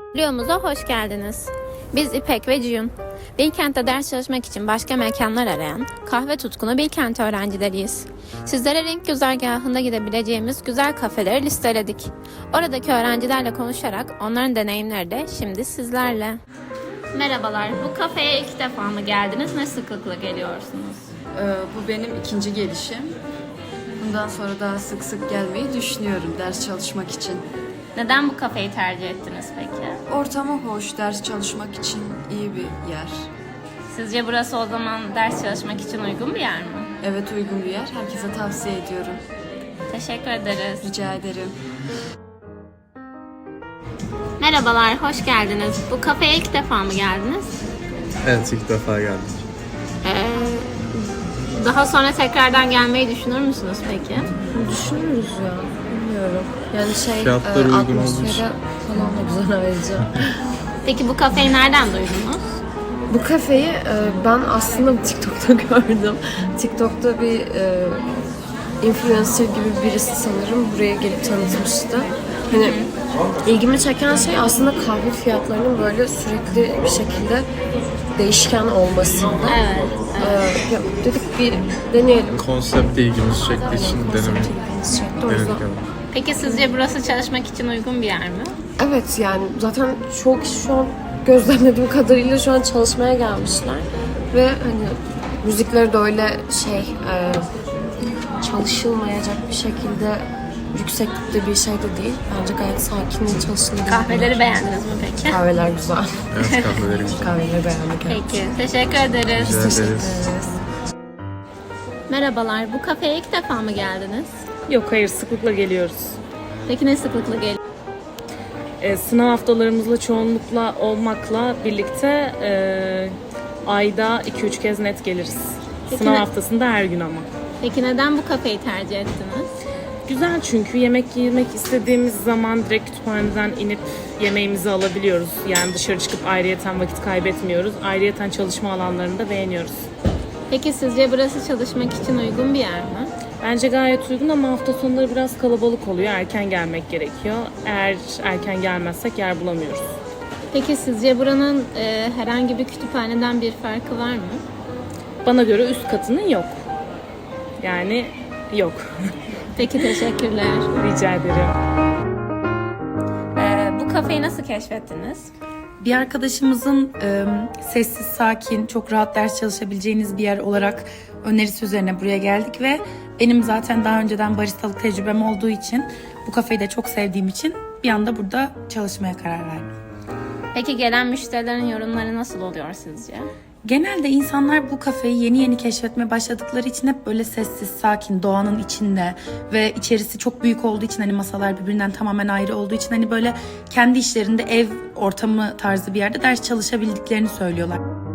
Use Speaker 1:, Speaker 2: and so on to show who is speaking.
Speaker 1: Videomuza hoş geldiniz. Biz İpek ve Ciyun. Bilkent'te ders çalışmak için başka mekanlar arayan, kahve tutkunu Bilkent öğrencileriyiz. Sizlere renk güzergahında gidebileceğimiz güzel kafeleri listeledik. Oradaki öğrencilerle konuşarak onların deneyimleri de şimdi sizlerle. Merhabalar, bu kafeye ilk defa mı geldiniz? Ne sıklıkla geliyorsunuz?
Speaker 2: Bu benim ikinci gelişim. Bundan sonra daha sık sık gelmeyi düşünüyorum ders çalışmak için.
Speaker 1: Neden bu kafeyi tercih ettiniz peki?
Speaker 2: Ortamı hoş, ders çalışmak için iyi bir yer.
Speaker 1: Sizce burası o zaman ders çalışmak için uygun bir yer mi?
Speaker 2: Evet, uygun bir yer. Herkese tavsiye ediyorum.
Speaker 1: Teşekkür ederiz.
Speaker 2: Rica ederim.
Speaker 1: Merhabalar, hoş geldiniz. Bu kafeye ilk defa mı geldiniz?
Speaker 3: Evet, ilk defa geldik.
Speaker 1: Daha sonra tekrardan gelmeyi düşünür müsünüz peki?
Speaker 4: Düşünürüz ya. Bilmiyorum. Yani
Speaker 3: Fiyatları uygun olduğu
Speaker 4: atmosferi
Speaker 3: için.
Speaker 4: falan da güzel ayrıca.
Speaker 1: Peki bu kafeyi nereden duydunuz?
Speaker 4: Bu kafeyi ben aslında TikTok'ta gördüm. TikTok'ta bir influencer gibi birisi sanırım buraya gelip tanıtmıştı. Hani ilgimi çeken şey aslında kahve fiyatlarının böyle sürekli bir şekilde değişken olmasında.
Speaker 1: Evet.
Speaker 4: Ya dedik bir deneyelim.
Speaker 3: Konsept de ilgimizi çektiği için denemek.
Speaker 4: O yüzden.
Speaker 1: Peki sizce burası çalışmak için uygun bir yer mi?
Speaker 4: Evet, yani zaten çok kişi şu an gözlemlediğim kadarıyla şu an çalışmaya gelmişler. Ve hani müzikleri de öyle çalışılmayacak bir şekilde yükseklikte bir şey de değil. Bence gayet sakin ve çalışılabilir.
Speaker 1: Kahveleri beğendiniz mi peki?
Speaker 4: Kahveler güzel.
Speaker 3: Evet, kahveleri güzel.
Speaker 4: Kahveleri beğendik. Evet.
Speaker 1: Peki, teşekkür ederiz.
Speaker 3: Rica
Speaker 4: Teşekkür
Speaker 3: ederiz.
Speaker 4: ederiz.
Speaker 1: Merhabalar, bu kafeye ilk defa mı geldiniz?
Speaker 5: Yok, hayır, sıklıkla geliyoruz.
Speaker 1: Peki ne sıklıkla geliyorsunuz?
Speaker 5: Sınav haftalarımızla çoğunlukla olmakla birlikte ayda 2-3 kez net geliriz.
Speaker 1: Peki
Speaker 5: Sınav
Speaker 1: ne-
Speaker 5: haftasında her gün ama.
Speaker 1: Peki neden bu kafeyi tercih ettiniz?
Speaker 5: Güzel, çünkü yemek yemek istediğimiz zaman direkt kütüphaneden inip yemeğimizi alabiliyoruz. Yani dışarı çıkıp ayrıyeten vakit kaybetmiyoruz. Ayrıyeten çalışma alanlarını da beğeniyoruz.
Speaker 1: Peki sizce burası çalışmak için uygun bir yer mi?
Speaker 5: Bence gayet uygun ama hafta sonları biraz kalabalık oluyor. Erken gelmek gerekiyor. Eğer erken gelmezsek yer bulamıyoruz.
Speaker 1: Peki sizce buranın herhangi bir kütüphaneden bir farkı var mı?
Speaker 5: Bana göre üst katının yok. Yani yok.
Speaker 1: Peki, teşekkürler.
Speaker 5: Rica ederim.
Speaker 1: Bu kafeyi nasıl keşfettiniz?
Speaker 6: Bir arkadaşımızın sessiz, sakin, çok rahat ders çalışabileceğiniz bir yer olarak önerisi üzerine buraya geldik ve benim zaten daha önceden baristalık tecrübem olduğu için bu kafeyi de çok sevdiğim için bir anda burada çalışmaya karar verdim.
Speaker 1: Peki gelen müşterilerin yorumları nasıl oluyor sizce?
Speaker 6: Genelde insanlar bu kafeyi yeni yeni keşfetmeye başladıkları için hep böyle sessiz, sakin, doğanın içinde ve içerisi çok büyük olduğu için, hani masalar birbirinden tamamen ayrı olduğu için hani böyle kendi işlerinde ev ortamı tarzı bir yerde ders çalışabildiklerini söylüyorlar.